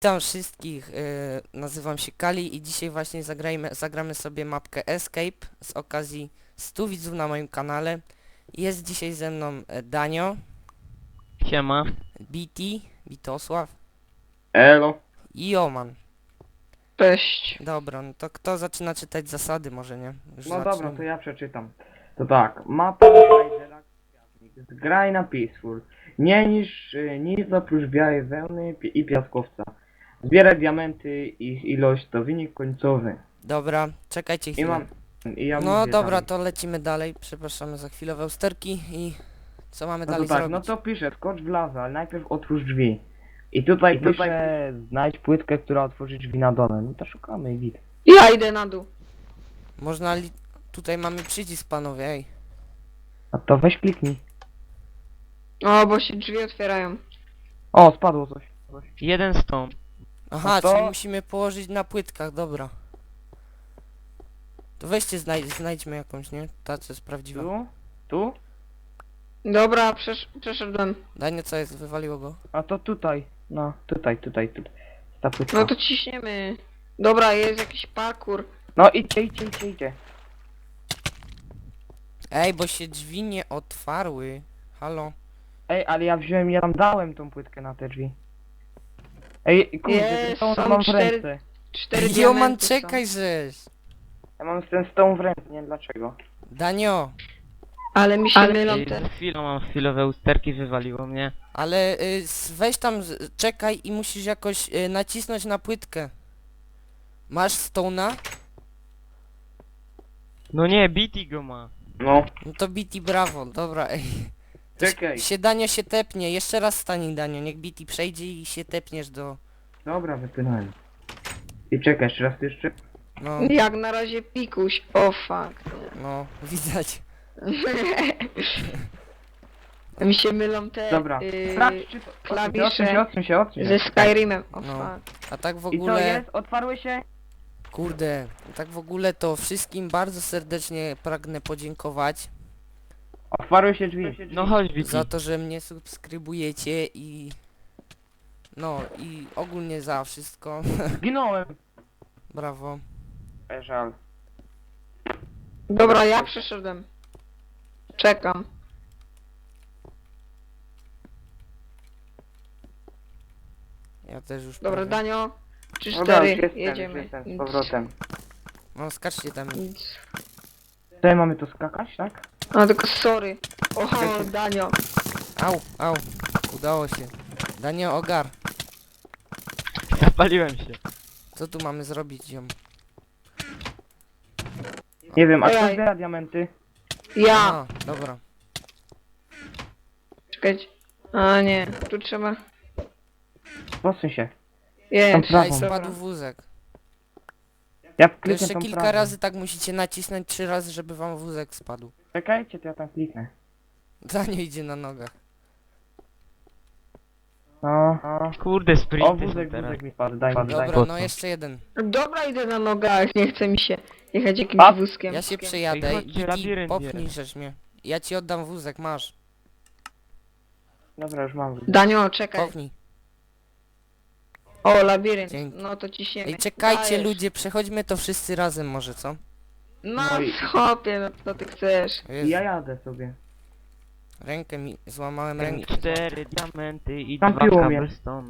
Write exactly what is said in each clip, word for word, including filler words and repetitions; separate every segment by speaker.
Speaker 1: Witam wszystkich, yy, nazywam się Kali i dzisiaj właśnie zagrajmy, zagramy sobie mapkę Escape z okazji stu widzów na moim kanale. Jest dzisiaj ze mną e, Danio,
Speaker 2: Siema.
Speaker 1: B T, Bitosław
Speaker 3: Elo.
Speaker 1: i Oman.
Speaker 4: Cześć.
Speaker 1: Dobra, no to kto zaczyna czytać zasady, może nie? Już
Speaker 3: No dobra,
Speaker 1: zaczniemy.
Speaker 3: to ja przeczytam. To tak, mapa Raidera Kwiatnik. Zgraj na Peaceful. Nie niż y, nic oprócz białej wełny pi- i piaskowca. Zbieraj diamenty, ich ilość to wynik końcowy.
Speaker 1: Dobra, czekajcie
Speaker 3: I
Speaker 1: chwilę.
Speaker 3: mam... I ja
Speaker 1: No
Speaker 3: mówię
Speaker 1: dobra,
Speaker 3: dalej.
Speaker 1: to lecimy dalej. Przepraszamy za chwilowe usterki i co mamy
Speaker 3: No to
Speaker 1: dalej
Speaker 3: tak,
Speaker 1: zrobić?
Speaker 3: no to piszę, skocz w lawę, ale najpierw otwórz drzwi. I tutaj
Speaker 1: I tutaj
Speaker 3: piszę, znajdź płytkę, która otworzy drzwi na dole. No to szukamy i git.
Speaker 4: Ja idę na dół.
Speaker 1: Można li... Tutaj mamy przycisk, panowie, ej.
Speaker 3: A to weź kliknij.
Speaker 4: O, bo się drzwi otwierają.
Speaker 3: O, spadło coś. coś.
Speaker 2: Jeden stąd.
Speaker 1: Aha,
Speaker 3: No to-
Speaker 1: czyli musimy położyć na płytkach, dobra. To weźcie, znajdź, znajdźmy jakąś, nie? Ta, co jest prawdziwa.
Speaker 3: Tu? Tu?
Speaker 4: Dobra, przesz przeszedłem.
Speaker 1: Danie, co jest? Wywaliło go?
Speaker 3: A to tutaj. No, tutaj, tutaj, tutaj. Ta płytka.
Speaker 4: No to ciśniemy. Dobra, jest jakiś parkour.
Speaker 3: No idźcie, idźcie, idźcie, idźcie.
Speaker 1: Ej, bo się drzwi nie otwarły. Halo?
Speaker 3: Ej, ale ja wziąłem, ja tam dałem tą płytkę na te drzwi. Ej, kurde,
Speaker 4: Jest,
Speaker 3: ten stone
Speaker 4: są
Speaker 3: mam w
Speaker 4: cztery-
Speaker 3: ręce.
Speaker 4: Cztery
Speaker 1: Joman,
Speaker 4: diamenty
Speaker 1: czekaj,
Speaker 4: są.
Speaker 1: żeś!
Speaker 3: Ja mam ten stone w ręce, nie wiem dlaczego.
Speaker 1: Danio,
Speaker 4: Ale mi się
Speaker 2: Ale
Speaker 4: mylą te.
Speaker 2: z chwilą mam chwilowe usterki, wywaliło mnie.
Speaker 1: ale y, s- weź tam, z- czekaj i musisz jakoś y, nacisnąć na płytkę. Masz stona?
Speaker 2: No nie, Bitty go ma.
Speaker 3: No,
Speaker 1: No to biti brawo, dobra, ej. To
Speaker 3: czekaj.
Speaker 1: się Danio się tepnie, jeszcze raz stań Danio, niech biti przejdzie i się tepniesz do...
Speaker 3: Dobra, wypłynąłem. I czekaj, jeszcze raz jeszcze.
Speaker 1: No,
Speaker 4: Jak na razie pikuś. O fuck.
Speaker 1: no, widać.
Speaker 4: Mi się mylą te
Speaker 3: Dobra.
Speaker 4: y,
Speaker 3: Sprawdź, czy to...
Speaker 4: klawisze
Speaker 3: Odsuń się, odsuń się, odsuń się.
Speaker 4: ze Skyrimem. O
Speaker 1: No.
Speaker 4: fuck.
Speaker 1: A tak w
Speaker 3: I co
Speaker 1: ogóle...
Speaker 3: jest? Otwarły się?
Speaker 1: Kurde, tak w ogóle to wszystkim bardzo serdecznie pragnę podziękować
Speaker 3: Otwarły się drzwi.
Speaker 2: No chodź Bitty.
Speaker 1: za to, że mnie subskrybujecie i... No i ogólnie za wszystko.
Speaker 3: Zginąłem.
Speaker 1: Brawo.
Speaker 3: E, żal.
Speaker 4: Dobra, ja przeszedłem. Czekam.
Speaker 1: Ja też już
Speaker 4: Dobra,
Speaker 1: prawie.
Speaker 4: Danio. Trzy,
Speaker 3: Dobra,
Speaker 4: cztery.
Speaker 3: już jestem,
Speaker 4: Jedziemy.
Speaker 3: już jestem z powrotem.
Speaker 1: No skaczcie tam.
Speaker 4: Nic.
Speaker 3: Tutaj mamy tu skakać, tak?
Speaker 4: A tylko sorry. O, Danio.
Speaker 1: Au, au. Udało się. Danio, ogar.
Speaker 2: Zapaliłem się.
Speaker 1: Co tu mamy zrobić, ziom?
Speaker 3: Nie wiem, a kto
Speaker 4: Ojej.
Speaker 3: zbiera diamenty?
Speaker 4: Ja.
Speaker 1: A, dobra.
Speaker 4: Czekajcie. A nie, tu trzeba.
Speaker 3: Posuń się.
Speaker 4: Jest.
Speaker 3: Tam
Speaker 1: Ej,
Speaker 3: prawą.
Speaker 1: spadł wózek.
Speaker 3: Ja
Speaker 1: To
Speaker 3: kliknę
Speaker 1: jeszcze
Speaker 3: tą
Speaker 1: kilka
Speaker 3: prawą.
Speaker 1: razy tak musicie nacisnąć trzy razy, żeby wam wózek spadł.
Speaker 3: Czekajcie, to ja tam kliknę.
Speaker 1: Danio idzie na nogach.
Speaker 3: No, no.
Speaker 2: Kurde,
Speaker 3: O,
Speaker 2: sprinty
Speaker 3: wózek,
Speaker 2: są teraz.
Speaker 3: wózek mi padł, daj mi, daj.
Speaker 1: Dobra,
Speaker 2: po
Speaker 1: no
Speaker 2: co?
Speaker 1: jeszcze jeden.
Speaker 4: Dobra, idę na nogach, nie chce mi się jechać jakimś
Speaker 3: A,
Speaker 4: wózkiem.
Speaker 1: Ja się
Speaker 2: Ej,
Speaker 1: przejadę
Speaker 2: chodźcie,
Speaker 1: i
Speaker 2: labirynt
Speaker 1: popnij
Speaker 2: jest.
Speaker 1: żeś mnie. Ja ci oddam wózek, masz.
Speaker 3: Dobra, już mam.
Speaker 4: Danio, czekaj.
Speaker 1: Popnij.
Speaker 4: O, labirynt.
Speaker 1: Dzięki.
Speaker 4: No to ciśniemy.
Speaker 1: Ej, czekajcie
Speaker 4: Dajesz.
Speaker 1: ludzie, przechodźmy to wszyscy razem może, co?
Speaker 4: No,
Speaker 3: No i-
Speaker 4: schopie, no co ty chcesz.
Speaker 1: Jezu,
Speaker 3: Ja jadę sobie.
Speaker 1: rękę mi, złamałem rękę.
Speaker 2: Cztery diamenty i
Speaker 3: Tam
Speaker 2: dwa
Speaker 3: piło mnie.
Speaker 2: cobblestone.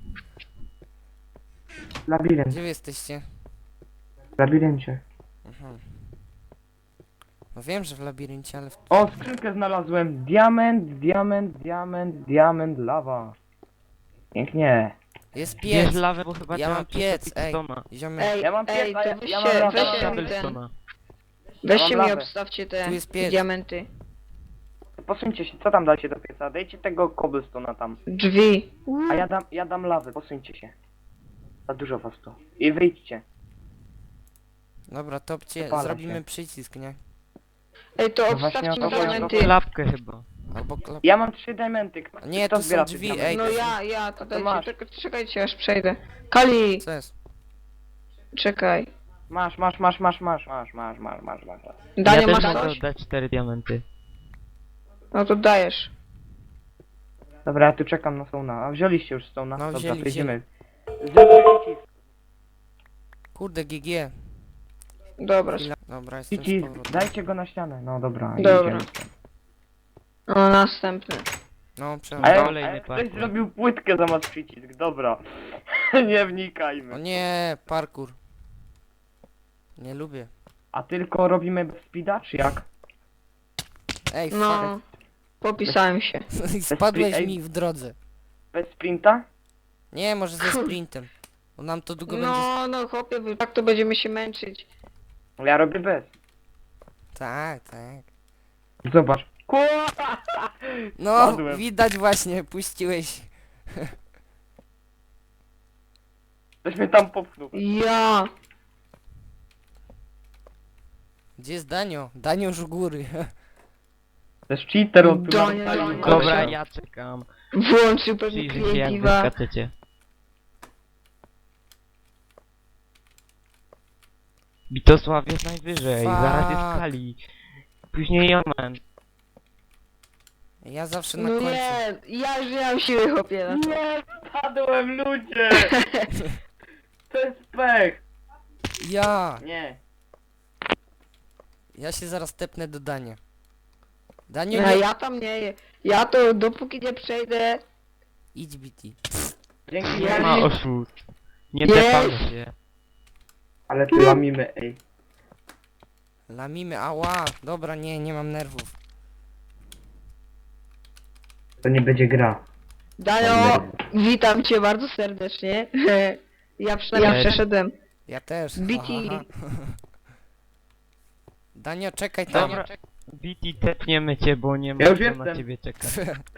Speaker 3: Labirynt,
Speaker 1: Gdzie wy jesteście?
Speaker 3: w labiryncie.
Speaker 1: Mhm. No wiem, że w labiryncie, ale w...
Speaker 3: O, skrzynkę znalazłem. Diament, diament, diament, diament, lawa. Pięknie.
Speaker 1: Jest
Speaker 2: Bierz
Speaker 1: piec!
Speaker 2: lawę, bo chyba
Speaker 1: Ja
Speaker 2: trzeba
Speaker 1: mam piec,
Speaker 2: przetopić
Speaker 1: ej.
Speaker 2: stona.
Speaker 1: Ziomek,
Speaker 4: Ej,
Speaker 3: Ja mam
Speaker 4: ej,
Speaker 3: pies, a
Speaker 4: to
Speaker 3: ja-
Speaker 4: weźcie,
Speaker 3: ja mam lawę.
Speaker 4: weźcie mi ten.
Speaker 2: Cobblestona.
Speaker 4: Weźcie
Speaker 3: Ja mam
Speaker 4: mi,
Speaker 3: lawę.
Speaker 4: obstawcie te
Speaker 1: Tu jest piec.
Speaker 4: diamenty.
Speaker 3: Posuńcie się, co tam dacie do pieca? Dajcie tego cobblestone'a tam.
Speaker 4: Drzwi.
Speaker 3: A ja dam, ja dam lawę, posuńcie się. Za dużo was tu. I wyjdźcie.
Speaker 1: dobra, topcie,
Speaker 3: Wypala
Speaker 1: zrobimy
Speaker 3: się.
Speaker 1: przycisk, nie?
Speaker 4: Ej, to
Speaker 3: No właśnie
Speaker 4: obstawcie
Speaker 3: o
Speaker 4: mi
Speaker 3: to chodzi.
Speaker 4: diamenty.
Speaker 2: Klapkę chyba.
Speaker 1: Albo klap...
Speaker 3: Ja mam trzy diamenty. Kto,
Speaker 1: Nie,
Speaker 3: kto
Speaker 1: tu są
Speaker 3: zbiera te
Speaker 1: drzwi,
Speaker 3: diamenty?
Speaker 1: ej.
Speaker 4: No ja, ja, to
Speaker 3: to
Speaker 4: dajcie,
Speaker 3: masz.
Speaker 4: czekaj, czekajcie, aż przejdę. Kali,
Speaker 1: Co jest?
Speaker 4: czekaj.
Speaker 3: Masz, masz, masz, masz, masz, masz, masz, masz, masz, masz.
Speaker 4: Danie,
Speaker 2: Ja też
Speaker 4: masz
Speaker 2: mogę
Speaker 4: coś?
Speaker 2: oddać cztery diamenty.
Speaker 4: No to dajesz.
Speaker 3: Dobra, ja tu czekam na Stone'a. A wzięliście już Stone'a?
Speaker 1: No,
Speaker 3: Dobra,
Speaker 1: wzięli,
Speaker 3: przejdziemy. Zrób przycisk.
Speaker 1: Kurde, G G.
Speaker 4: Dobra.
Speaker 1: Chwila. Dobra, jestem z
Speaker 3: Przycisk,
Speaker 1: powrotem.
Speaker 3: dajcie go na ścianę. No dobra,
Speaker 4: Dobra.
Speaker 3: idziemy.
Speaker 4: O, następny.
Speaker 1: No,
Speaker 3: A
Speaker 1: przepraszam.
Speaker 3: jak, a
Speaker 2: Kolejny
Speaker 3: jak ktoś
Speaker 2: parkour.
Speaker 3: zrobił płytkę zamiast przycisk, dobra. Nie wnikajmy.
Speaker 1: O nie, parkour. Nie lubię.
Speaker 3: A tylko robimy bez speeda, czy jak?
Speaker 1: Ej,
Speaker 4: No. Popisałem się.
Speaker 1: fuck. Spadłeś
Speaker 3: Ej.
Speaker 1: mi w drodze.
Speaker 3: Bez sprinta?
Speaker 1: Nie, może ze sprintem. Bo nam to długo będzie...
Speaker 4: No, no chłopie, wy- tak to będziemy się męczyć.
Speaker 3: Ja robię bez.
Speaker 1: Tak, tak.
Speaker 3: Zobacz. Kurwa!
Speaker 1: No,
Speaker 3: Spadłem.
Speaker 1: widać właśnie, puściłeś.
Speaker 3: Ktoś mnie tam popchnął.
Speaker 4: Ja.
Speaker 1: Gdzie jest Danio? Danio już u góry.
Speaker 3: To jest cheater, on tu
Speaker 4: Donia,
Speaker 3: nam
Speaker 4: Donia.
Speaker 3: stoi.
Speaker 2: Dobra, ja czekam.
Speaker 4: Włączył pewnie
Speaker 2: Przyjrzyj się jak wy
Speaker 4: kreatywa.
Speaker 2: skaczecie. Bitosław jest najwyżej,
Speaker 1: Fuck.
Speaker 2: zaraz jest Kali. Później Jomen.
Speaker 1: Ja zawsze na
Speaker 4: No
Speaker 1: końcu.
Speaker 4: nie, ja już nie mam siły chłopie na to.
Speaker 3: Nie, spadłem, ludzie! To jest pech!
Speaker 1: Ja!
Speaker 3: Nie.
Speaker 1: Ja się zaraz tepnę do Dania. Danio,
Speaker 4: No
Speaker 1: nie...
Speaker 4: ja tam nie, ja to dopóki nie przejdę.
Speaker 1: Idź B T.
Speaker 3: Dzięki,
Speaker 4: Ja
Speaker 2: Nie ma
Speaker 4: nie-
Speaker 2: oszust. Nie
Speaker 4: Jest.
Speaker 2: tepamy się.
Speaker 3: Ale ty łamimy, ej.
Speaker 1: Lamimy, ała! Dobra, nie, nie mam nerwów.
Speaker 3: To nie będzie gra.
Speaker 4: Dajo, witam cię bardzo serdecznie. Ja przynajmniej
Speaker 2: Cześć.
Speaker 4: przeszedłem.
Speaker 1: Ja też.
Speaker 4: B T.
Speaker 1: Ha, ha, ha. Danio, czekaj tam.
Speaker 2: Dobra. B T tepniemy cię, bo nie
Speaker 3: Ja
Speaker 2: ma
Speaker 3: już
Speaker 2: kto na
Speaker 3: jestem.
Speaker 2: ciebie czekać.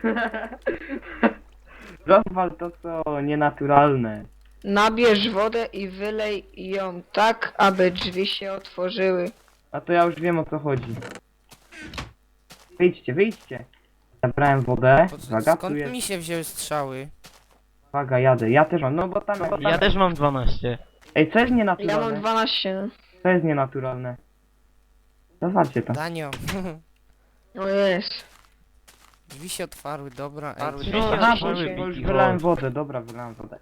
Speaker 3: Rozwal to, co nienaturalne.
Speaker 4: Nabierz wodę i wylej ją tak, aby drzwi się otworzyły.
Speaker 3: A to ja już wiem, o co chodzi. Wyjdźcie, wyjdźcie. Zabrałem wodę.
Speaker 1: To c-
Speaker 3: Uwaga, tu
Speaker 1: skąd
Speaker 3: jest.
Speaker 1: mi się wzięły strzały?
Speaker 3: Uwaga, jadę. Ja też mam. No bo tam. Bo tam...
Speaker 2: Ja też mam dwanaście.
Speaker 3: Ej, co jest
Speaker 4: Ja
Speaker 3: nienaturalne?
Speaker 4: mam dwanaście.
Speaker 3: Co jest nienaturalne? Zawalcie to.
Speaker 1: Danio.
Speaker 4: O jest.
Speaker 1: Drzwi się otwarły, dobra.
Speaker 2: Otwarły
Speaker 1: Ej,
Speaker 2: drzwi.
Speaker 4: No,
Speaker 3: Aha,
Speaker 4: dzisiaj
Speaker 3: bo,
Speaker 4: się-
Speaker 3: bo już
Speaker 2: Chodź.
Speaker 3: wylałem wodę. Dobra, wylałem wodę.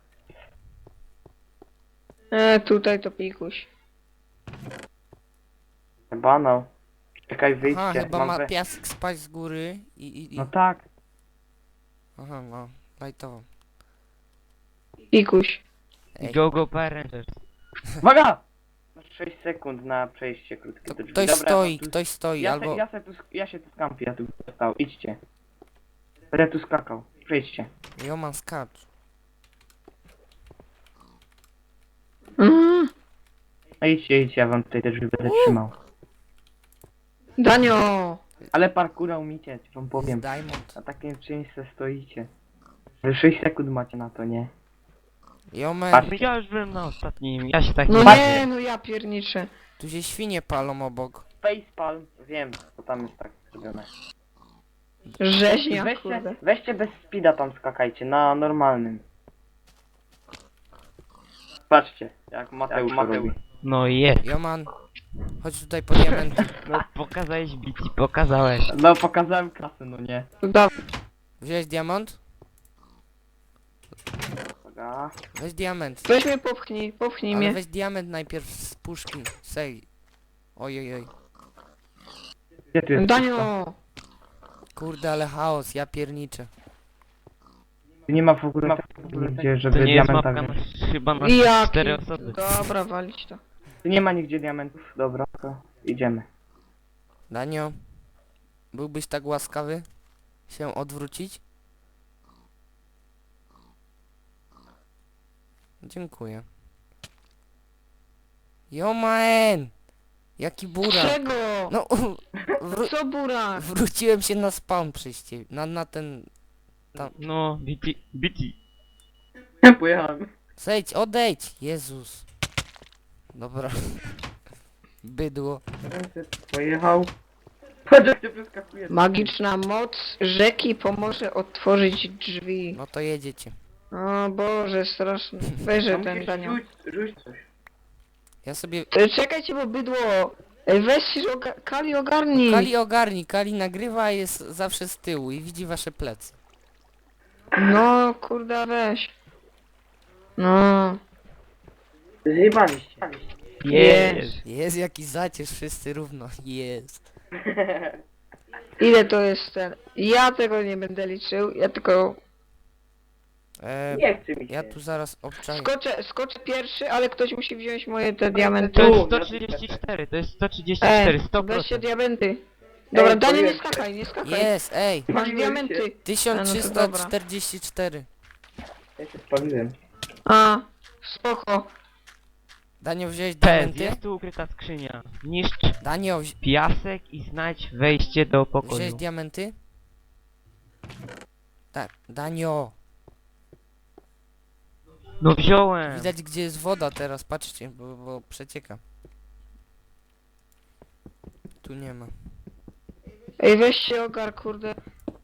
Speaker 4: E, tutaj to pikuś.
Speaker 3: Chyba no. Czekaj,
Speaker 1: Aha,
Speaker 3: wyjdźcie.
Speaker 1: chyba
Speaker 3: Mam
Speaker 1: ma
Speaker 3: we-
Speaker 1: piasek spaść z góry i... i, i...
Speaker 3: No tak.
Speaker 1: Aha, no. Lajtowo.
Speaker 4: Pikuś.
Speaker 1: Ej.
Speaker 2: Go go parent.
Speaker 3: Uwaga! Masz sześć sekund na przejście krótkie
Speaker 1: To
Speaker 3: do drzwi.
Speaker 1: ktoś
Speaker 3: Dobra,
Speaker 1: stoi,
Speaker 3: tu-
Speaker 1: ktoś stoi,
Speaker 3: Ja,
Speaker 1: albo...
Speaker 3: se, ja, se tu, sk- ja się tu skampię, ja tu stał. Idźcie. Będę tu skakał. Przejdźcie.
Speaker 1: Joman skacz.
Speaker 4: Mhm.
Speaker 3: No idźcie, idźcie, ja wam tutaj te drzwi będę trzymał.
Speaker 4: Danio.
Speaker 3: Ale parkura umicie, wam powiem.
Speaker 1: Diamond.
Speaker 3: Na takim czymś se stoicie. Że sześć sekund macie na to, nie?
Speaker 1: Joman,
Speaker 3: Patrz.
Speaker 2: Ja już byłem na ostatnim, ja się tak
Speaker 4: No
Speaker 2: nie
Speaker 4: nie, no ja pierniczę.
Speaker 1: tu się świnie palą obok.
Speaker 3: Facepalm, wiem, bo tam jest tak zrobione.
Speaker 4: Rzeźnia,
Speaker 3: Weźcie,
Speaker 4: kurde.
Speaker 3: weźcie bez speeda tam skakajcie, na normalnym. Patrzcie, jak Mateusz, jak Mateusz. robi.
Speaker 2: No jest.
Speaker 1: Joman, chodź tutaj po diamenty.
Speaker 2: No pokazałeś B T, pokazałeś.
Speaker 3: No pokazałem klasę, no nie.
Speaker 4: Dobra.
Speaker 1: Wziąłeś diamant?
Speaker 3: Uwaga.
Speaker 1: Weź diament.
Speaker 4: Weź mnie popchnij, popchnij
Speaker 1: Ale
Speaker 4: mnie.
Speaker 1: weź diament najpierw z puszki. Sej. Oj, oj, oj.
Speaker 3: Gdzie tu jest puszka?
Speaker 4: Danio.
Speaker 1: Kurde, ale chaos, ja pierniczę.
Speaker 3: Tu nie ma w ogóle, w ogóle nigdzie,
Speaker 2: To
Speaker 3: żeby
Speaker 2: nie jest
Speaker 3: diamenta
Speaker 2: mapka
Speaker 3: wziąć.
Speaker 2: na, chyba na
Speaker 4: Jaki?
Speaker 2: cztery osoby.
Speaker 4: Dobra, walić to.
Speaker 3: Tu nie ma nigdzie diamentów, dobra, to idziemy.
Speaker 1: Danio, byłbyś tak łaskawy się odwrócić? Dziękuję. Joman! Jaki burak!
Speaker 4: Czego?
Speaker 1: No, wró
Speaker 4: Co burak?
Speaker 1: wróciłem się na spawn przyjście, na, na ten...
Speaker 2: No, B T, B T.
Speaker 3: Pojechałem.
Speaker 1: Zejdź, odejdź! Jezus. Dobra. Bydło.
Speaker 3: Pojechał. Patrz jak cię przeskakuje.
Speaker 4: Magiczna moc rzeki pomoże otworzyć drzwi.
Speaker 1: No to jedziecie.
Speaker 4: O Boże, straszny. Weźże
Speaker 3: Tam
Speaker 4: ten
Speaker 3: musisz
Speaker 4: Danio.
Speaker 3: rzuć, rzuć coś.
Speaker 1: Ja sobie...
Speaker 4: E, Czekajcie, bo bydło. Ej, weź się, oga- Kali ogarnij.
Speaker 1: Kali ogarni, Kali nagrywa, a jest zawsze z tyłu i widzi wasze plecy.
Speaker 4: No, kurde, weź. No.
Speaker 3: Zjebaliście.
Speaker 2: Jest.
Speaker 1: Jest jakiś zacierz, wszyscy równo. Jest.
Speaker 4: Ile to jest ten? Ja tego nie będę liczył, ja tylko
Speaker 1: E,
Speaker 3: Nie chce mi się.
Speaker 1: ja tu zaraz obczaję.
Speaker 4: skoczę, skoczę pierwszy, ale ktoś musi wziąć moje te diamenty.
Speaker 2: To jest
Speaker 3: Tu,
Speaker 2: sto trzydzieści cztery, to jest sto trzydzieści cztery,
Speaker 4: Ej,
Speaker 2: sto
Speaker 4: weźcie
Speaker 2: procent.
Speaker 4: diamenty. Dobra,
Speaker 3: Ej,
Speaker 4: Daniel, nie
Speaker 3: powiem-
Speaker 4: skakaj, nie skakaj.
Speaker 1: Jest, ej.
Speaker 4: Masz
Speaker 3: Spaliłem
Speaker 4: diamenty.
Speaker 3: się.
Speaker 1: tysiąc trzysta czterdzieści cztery.
Speaker 3: Ja się spaliłem.
Speaker 4: A, spoko.
Speaker 1: Danio, wziąłeś
Speaker 2: Pez,
Speaker 1: diamenty?
Speaker 2: jest tu ukryta skrzynia. Niszcz
Speaker 1: Danio, wzi
Speaker 2: piasek i znajdź wejście do
Speaker 1: wziąłeś
Speaker 2: pokoju.
Speaker 1: diamenty? Tak, Danio.
Speaker 2: No wziąłem.
Speaker 1: Widać gdzie jest woda teraz, patrzcie, bo, bo przecieka. Tu nie ma.
Speaker 4: Ej, weź się ogar, kurde.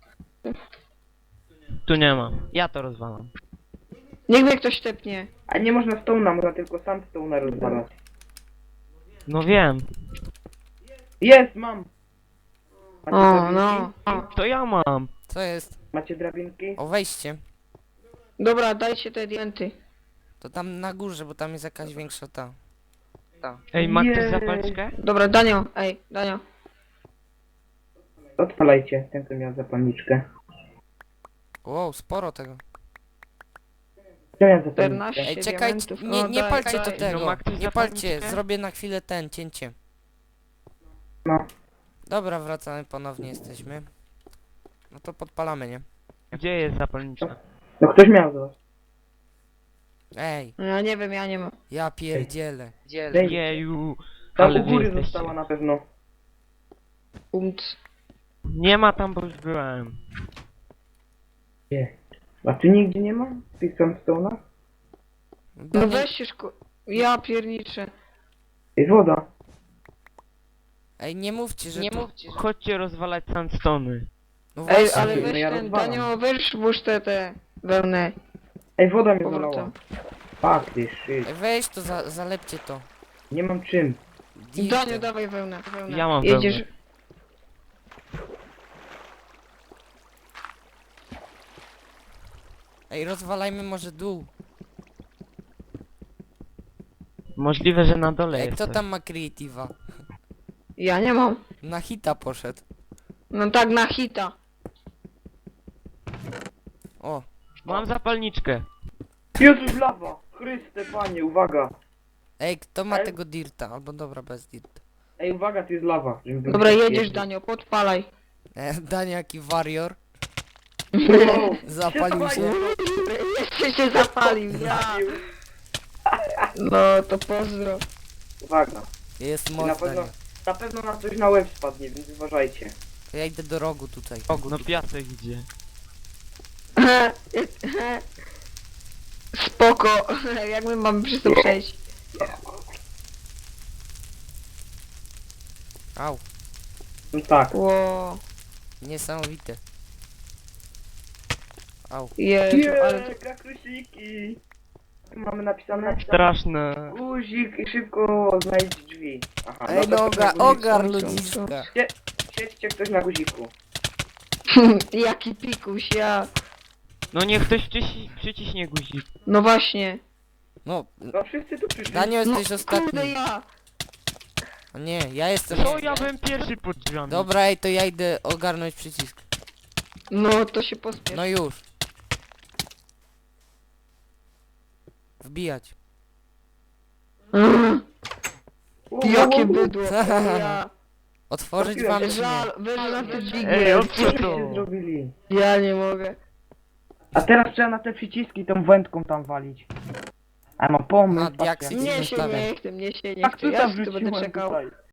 Speaker 2: Tu nie ma. Ja to rozwalam.
Speaker 4: Niech mnie ktoś tepnie.
Speaker 3: A nie można stone'a, można tylko sam stone'a rozwalać.
Speaker 2: No wiem.
Speaker 3: Jest, mam! Macie
Speaker 4: O,
Speaker 3: drabinki?
Speaker 4: no. O.
Speaker 2: To ja mam.
Speaker 1: Co jest?
Speaker 3: Macie drabinki?
Speaker 1: O, wejście.
Speaker 4: Dobra, dajcie te diamenty.
Speaker 1: To tam na górze, bo tam jest jakaś większa ta.
Speaker 2: Ej, ma ktoś
Speaker 3: Jej.
Speaker 2: zapalczkę?
Speaker 4: Dobra, Danio, ej, Danio.
Speaker 3: Odpalajcie, ten co miał zapalniczkę.
Speaker 1: Wow, sporo tego.
Speaker 3: Kto miał zapalniczkę?
Speaker 4: czternaście
Speaker 1: Ej, czekaj,
Speaker 4: diamentów.
Speaker 1: nie,
Speaker 4: O,
Speaker 1: nie
Speaker 4: daj,
Speaker 1: palcie
Speaker 4: daj.
Speaker 1: to tego.
Speaker 2: No, ma ktoś
Speaker 1: Nie palcie,
Speaker 2: zapalniczkę?
Speaker 1: zrobię na chwilę ten, cięcie.
Speaker 3: No.
Speaker 1: Dobra, wracamy, ponownie jesteśmy. No to podpalamy, nie?
Speaker 2: Gdzie jest zapalniczka?
Speaker 3: No ktoś miał to.
Speaker 1: Ej,
Speaker 4: Ja nie wiem, ja nie mam.
Speaker 1: ja pierdzielę.
Speaker 3: Daj.
Speaker 2: Jeju.
Speaker 3: Tam
Speaker 2: Ale
Speaker 3: u
Speaker 2: wy
Speaker 3: góry
Speaker 2: jesteście.
Speaker 3: została na pewno.
Speaker 4: Umc.
Speaker 2: Nie ma tam, bo już byłem.
Speaker 3: Nie. A tu nigdzie nie ma? W tych stone'ach?
Speaker 4: No
Speaker 1: Daniel,
Speaker 4: weź się szko... Ja pierniczę.
Speaker 3: Jest woda.
Speaker 1: ej, nie mówcie, że
Speaker 4: Nie
Speaker 1: tu...
Speaker 4: mówcie.
Speaker 2: Chodźcie rozwalać sandstony.
Speaker 1: No
Speaker 4: Ej,
Speaker 1: właśnie,
Speaker 4: ale
Speaker 3: No
Speaker 4: weź
Speaker 3: ja
Speaker 4: ten,
Speaker 3: rozwalam.
Speaker 4: Danio, weź włóż te, te wełnę.
Speaker 3: Ej, woda mnie
Speaker 4: Powrotem.
Speaker 3: zalała. Fuck this shit.
Speaker 1: ej, weź to, za, zalepcie to.
Speaker 3: Nie mam czym.
Speaker 1: Dirtem.
Speaker 4: Danio, dawaj wełnę. wełnę.
Speaker 2: Ja mam
Speaker 4: Jedziesz...
Speaker 2: wełnę.
Speaker 1: Ej, rozwalajmy może dół.
Speaker 2: Możliwe, że na dole
Speaker 1: Ej,
Speaker 2: jest.
Speaker 1: kto
Speaker 2: coś.
Speaker 1: tam ma creative'a?
Speaker 4: Ja nie mam.
Speaker 1: Na hita poszedł.
Speaker 4: No tak, na hita.
Speaker 1: O,
Speaker 2: Mam zapalniczkę.
Speaker 3: Jezus, lawa! Chryste, panie, uwaga!
Speaker 1: ej, kto ma
Speaker 3: Ej.
Speaker 1: tego dirta? Albo dobra, bez dirta.
Speaker 3: Ej, uwaga, tu jest lawa. żebym
Speaker 4: Dobra,
Speaker 3: był-
Speaker 4: jedziesz, Danio, podpalaj.
Speaker 1: E, Daniel, jaki warrior.
Speaker 3: Wow.
Speaker 1: Zapalił się.
Speaker 4: Jeszcze się zapalił, ja. No, to pozdro.
Speaker 3: Uwaga.
Speaker 1: Jest
Speaker 3: Na
Speaker 1: moc,
Speaker 3: pewno,
Speaker 1: Daniel.
Speaker 3: na pewno na coś na łeb spadnie, więc uważajcie.
Speaker 1: To ja idę do rogu tutaj.
Speaker 2: No piasek idzie.
Speaker 4: Spoko. Jak my mamy przez to przejść?
Speaker 1: Au,
Speaker 3: No tak.
Speaker 4: Ło.
Speaker 1: niesamowite. Au.
Speaker 4: Jezu, ale...
Speaker 3: Nie, krakrusiki! Tu mamy napisane
Speaker 2: Straszne.
Speaker 3: guzik i szybko znajdź drzwi. Aha,
Speaker 1: Ej,
Speaker 3: no to
Speaker 1: no,
Speaker 3: ktoś na
Speaker 1: ogar,
Speaker 3: guziku.
Speaker 1: ogar
Speaker 4: co, co,
Speaker 1: ludziska.
Speaker 3: Sie- Siedźcie ktoś na guziku.
Speaker 4: Jaki pikuś, ja.
Speaker 2: No niech ktoś przyci przyciśnie guzik.
Speaker 4: No właśnie.
Speaker 1: No,
Speaker 3: No wszyscy tu przyszli.
Speaker 1: Daniel,
Speaker 4: No,
Speaker 1: jesteś
Speaker 4: kurde,
Speaker 1: ostatni.
Speaker 4: ja.
Speaker 1: O nie, ja jestem...
Speaker 2: Co ja byłem pierwszy pod drzwiami?
Speaker 1: Dobra, ej, to ja idę ogarnąć przycisk.
Speaker 4: No, to się pospiesz.
Speaker 1: No już. Wbijać.
Speaker 4: Mm,
Speaker 3: Wow, wow,
Speaker 4: Jakie
Speaker 3: wow.
Speaker 4: bydło, o ja.
Speaker 1: Otworzyć
Speaker 3: Trafiłem
Speaker 1: wam
Speaker 3: się.
Speaker 1: czy nie?
Speaker 4: Żal, weź na te
Speaker 2: Ej,
Speaker 4: dźwignię.
Speaker 2: od-
Speaker 3: Co
Speaker 2: Co to?
Speaker 3: się zrobili?
Speaker 4: Ja nie mogę.
Speaker 3: A teraz trzeba na te przyciski tą wędką tam walić. A no pomysł.
Speaker 1: A,
Speaker 3: patrzcie.
Speaker 1: diaksy.
Speaker 4: Nie się
Speaker 1: zostawiam.
Speaker 4: nie chcę, mnie się nie
Speaker 3: Jak
Speaker 4: chce.
Speaker 3: tu
Speaker 4: Ja
Speaker 3: tam
Speaker 4: tu będę
Speaker 3: wrzuciłem
Speaker 4: czekał.
Speaker 3: tutaj?